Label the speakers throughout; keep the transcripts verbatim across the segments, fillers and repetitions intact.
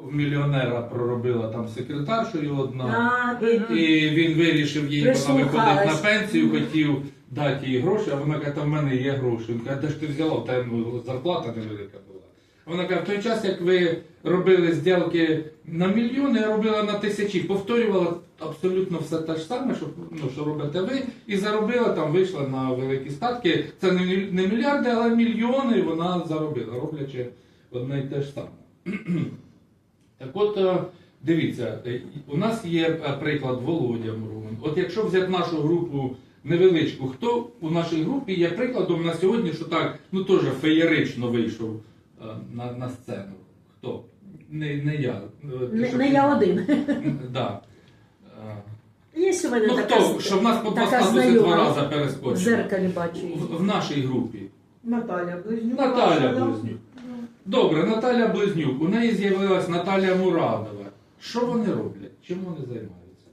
Speaker 1: В мільйонера проробила там секретаршою одна,
Speaker 2: А,
Speaker 1: і він вирішив їй, вона виходить на
Speaker 2: Прислухалась.
Speaker 1: пенсію, хотів дати їй гроші, а вона каже, там в мене є гроші. Він каже, де ж ти взяла, в тебе ну, зарплата невелика була. А вона каже, в той час, як ви робили зділки на мільйони, я робила на тисячі, повторювала абсолютно все те ж саме, що, ну, що робите ви, і заробила, там вийшла на великі статки. Це не, міль- не мільярди, але мільйони вона заробила, роблячи одне й те ж саме. Так от, е, дивіться, е, у нас є е, приклад Володя Мурман. От якщо взяти нашу групу невеличку, хто у нашій групі є прикладом на сьогодні, що так, ну теж феєрично вийшов е, на, на сцену? Хто? Не, не я. Е, ти
Speaker 2: Не,
Speaker 1: що
Speaker 2: не
Speaker 1: ти-
Speaker 2: я один.
Speaker 1: М, Да. Е,
Speaker 2: Є у мене
Speaker 1: Ну
Speaker 2: така,
Speaker 1: хто, що в нас по два
Speaker 2: така
Speaker 1: статуси два
Speaker 2: знайома.
Speaker 1: рази
Speaker 2: в
Speaker 1: перескочив?
Speaker 2: дзеркалі бачу її.
Speaker 1: В, в нашій групі.
Speaker 3: Наталя Близнюк.
Speaker 1: Наталя
Speaker 3: ваша, да?
Speaker 1: Близнюк. Добре, Наталя Близнюк. У неї з'явилась Наталя Мурадова. Що вони роблять? Чим вони займаються?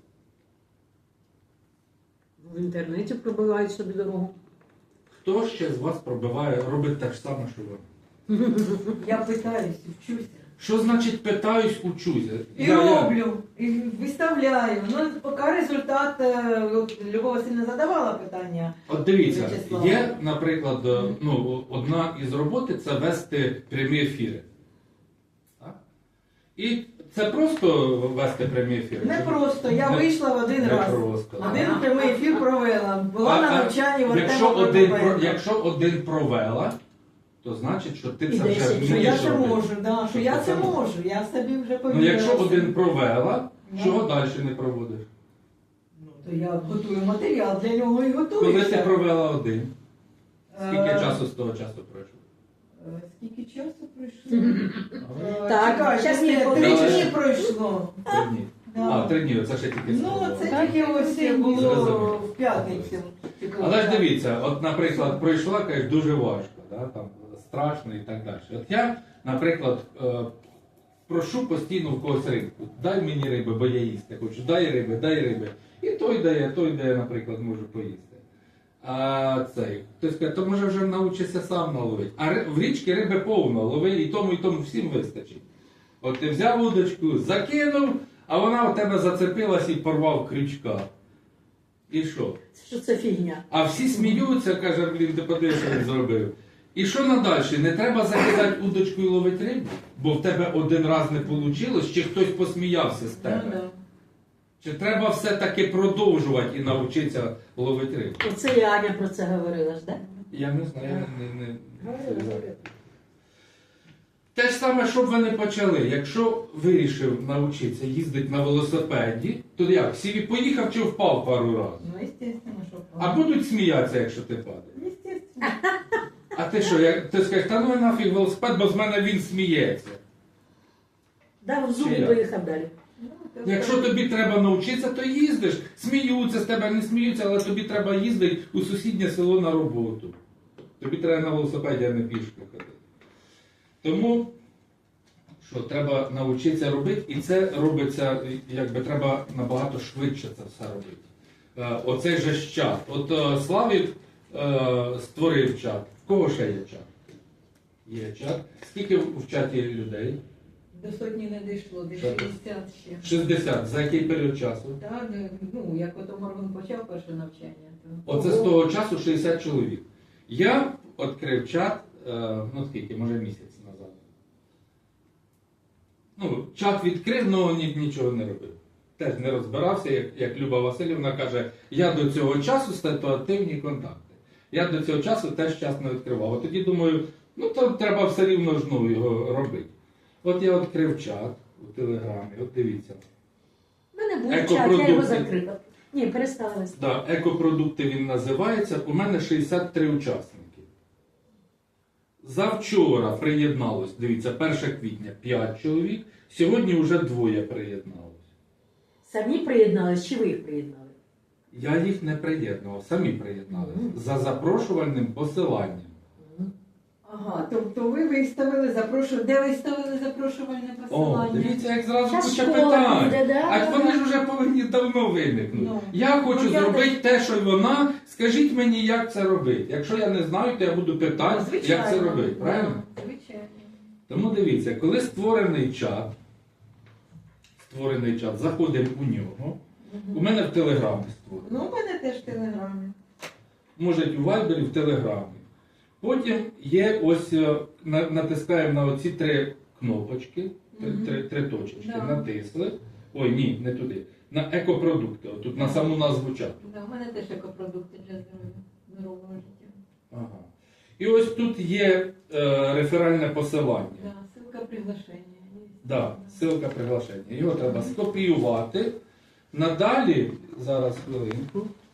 Speaker 2: В інтернеті пробивають собі дорогу.
Speaker 1: Хто ще з вас пробиває, робить те ж саме, що ви?
Speaker 3: Я питаюсь, вчуся.
Speaker 1: Що значить питаюсь, учуся?
Speaker 3: І
Speaker 1: Я- я-
Speaker 3: роблю, і виставляю. Ну, поки результат, е, от Любов Васильівна задавала питання.
Speaker 1: От дивіться,
Speaker 3: Вячеслав.
Speaker 1: є, наприклад, е, ну, одна із роботи це вести прямі ефіри. Так? І це просто вести прямі ефіри?
Speaker 3: Не
Speaker 1: Чи-
Speaker 3: просто, я
Speaker 1: Не-
Speaker 3: вийшла в один
Speaker 1: не
Speaker 3: раз.
Speaker 1: просто.
Speaker 3: Один прямий ефір провела. Була
Speaker 1: А-
Speaker 3: на
Speaker 1: а
Speaker 3: навчанні в
Speaker 1: якщо
Speaker 3: Артема
Speaker 1: один,
Speaker 3: Прокопенка.
Speaker 1: про- якщо один провела, то значить, що ти
Speaker 2: І
Speaker 1: це вже
Speaker 2: десять,
Speaker 3: Що
Speaker 1: вмієш
Speaker 3: я це
Speaker 1: робити.
Speaker 3: можу, да, що я це можу, я собі вже
Speaker 1: Ну,
Speaker 3: повірила.
Speaker 1: якщо один провела,
Speaker 3: Ну.
Speaker 1: чого далі не проводиш?
Speaker 3: Ну, то я готую матеріал для нього і готую.
Speaker 1: Коли ти
Speaker 3: все.
Speaker 1: провела один, скільки
Speaker 3: Е,
Speaker 1: часу з того часу пройшло?
Speaker 3: е, Скільки часу пройшло? Е,
Speaker 2: Так,
Speaker 3: чекай,
Speaker 2: щас
Speaker 3: ще
Speaker 2: не
Speaker 3: три
Speaker 1: помічу.
Speaker 3: дні пройшло.
Speaker 1: Три дні.
Speaker 3: Да.
Speaker 1: А, три дні, це ще тільки
Speaker 3: Ну,
Speaker 1: сказали.
Speaker 3: це тільки ось було
Speaker 1: Зрозуміло.
Speaker 3: в п'ятницю.
Speaker 1: Але ж дивіться, от, наприклад, пройшла, кажеш, дуже важко, да, там, страшно і так далі. От я, наприклад, е, прошу постійно в когось рибку. Дай мені риби, бо я їсти хочу. Дай риби, дай риби. І той дає, той дає, наприклад, можу поїсти. А цей, хтось каже, то може вже навчишся сам наловити. А ри- в річці риби повно, лови і тому, і тому всім вистачить. От ти взяв удочку, закинув, а вона у тебе зацепилась і порвав крючка. І що?
Speaker 2: Що це фігня?
Speaker 1: А всі сміються, каже, блін, ти подивись, що він зробив. І що надальше? Не треба закидати удочку і ловити рибу, бо в тебе один раз не вийшло, чи хтось посміявся з
Speaker 3: Ну,
Speaker 1: тебе.
Speaker 3: да.
Speaker 1: Чи треба все-таки продовжувати і навчитися ловити рибу?
Speaker 2: Оце і Аня про це говорила ж, так?
Speaker 1: Я не знаю, я не, не,
Speaker 2: Говорила,
Speaker 1: не...
Speaker 2: говорила.
Speaker 1: Те ж саме, що б ви не почали. Якщо вирішив навчитися їздити на велосипеді, то як? Сіві поїхав чи впав пару разів?
Speaker 3: Ну, естественно, що
Speaker 1: А будуть сміятися, якщо ти падаєш?
Speaker 3: Естественно.
Speaker 1: А ти що, як ти скажеш, та ну нафіг велосипед, бо з мене він сміється.
Speaker 2: Дав в зуб
Speaker 1: Чи
Speaker 2: і
Speaker 1: як?
Speaker 2: поїхав далі.
Speaker 3: Ну, то
Speaker 1: Якщо
Speaker 3: так.
Speaker 1: тобі треба навчитися, то їздиш. Сміються з тебе, не сміються, але тобі треба їздити у сусіднє село на роботу. Тобі треба на велосипеді, а не пішки ходити. Тому, що треба навчитися робити, і це робиться, якби треба набагато швидше це все робити. Е, Оцей же ж чат. От е, Славік е, створив чат. В кого ще є чат? Є чат. Скільки в в чаті людей?
Speaker 3: До сотні не дійшло, до
Speaker 1: Що?
Speaker 3: шістдесят ще.
Speaker 1: шістдесят. За який період часу?
Speaker 3: Так, ну, як ото Морган почав перше навчання, то...
Speaker 1: Оце з того часу шістдесят чоловік. Я відкрив чат, е, ну скільки, може місяць назад. Ну, чат відкрив, але ні, нічого не робив. Теж не розбирався, як, як Люба Васильівна каже, я до цього часу ситуативні контакти. Я до цього часу теж час не відкривав. От тоді думаю, ну то треба все рівно ж ну, його робити. От я відкрив чат у Телеграмі, от дивіться.
Speaker 2: У мене був чат, я
Speaker 1: Екопродукти.
Speaker 2: його закрила. Ні, перестала вести.
Speaker 1: Да, екопродукти він називається. У мене шістдесят три учасники. Завчора приєдналось, дивіться, перше квітня п'ять чоловік, сьогодні вже двоє приєдналось.
Speaker 2: Самі приєднались чи ви їх приєднали?
Speaker 1: Я їх не приєднував, самі приєдналися.
Speaker 2: Мгм.
Speaker 1: За запрошувальним посиланням.
Speaker 3: Ага, тобто ви виставили запрошування. Де ви ставили запрошувальне
Speaker 1: О,
Speaker 3: посилання?
Speaker 1: дивіться, як зразу
Speaker 2: Щас
Speaker 1: куча
Speaker 2: школа
Speaker 1: питань.
Speaker 2: буде, да,
Speaker 1: А
Speaker 2: да,
Speaker 1: вони
Speaker 2: да.
Speaker 1: ж вже повинні давно виникнути.
Speaker 3: Ну.
Speaker 1: Я хочу
Speaker 3: Ну, я
Speaker 1: зробити те, що й вона. Скажіть мені, як це робити. Якщо я не знаю, то я буду питати,
Speaker 3: Ну, звичайно.
Speaker 1: як це робити. Правильно?
Speaker 3: Звичайно.
Speaker 1: Тому дивіться, коли створений чат, створений чат, заходимо у нього. У мене в Телеграмі створений.
Speaker 3: Ну, у мене теж в Телеграмі.
Speaker 1: Може у Вайбері, в Телеграмі. Потім є ось, е, на- натискаємо на оці три кнопочки, три,
Speaker 3: Мгм.
Speaker 1: три, три точечки,
Speaker 3: Да.
Speaker 1: натисли. Ой, ні, не туди. На екопродукти, отут на саму назву чату.
Speaker 3: Да, у мене теж екопродукти для здоров'я, здорового життя.
Speaker 1: Ага. І ось тут є е, реферальне посилання.
Speaker 3: Да, ссылка приглашення. Є.
Speaker 1: Да, ссылка приглашення. Його треба скопіювати. Надалі, зараз хвилинку.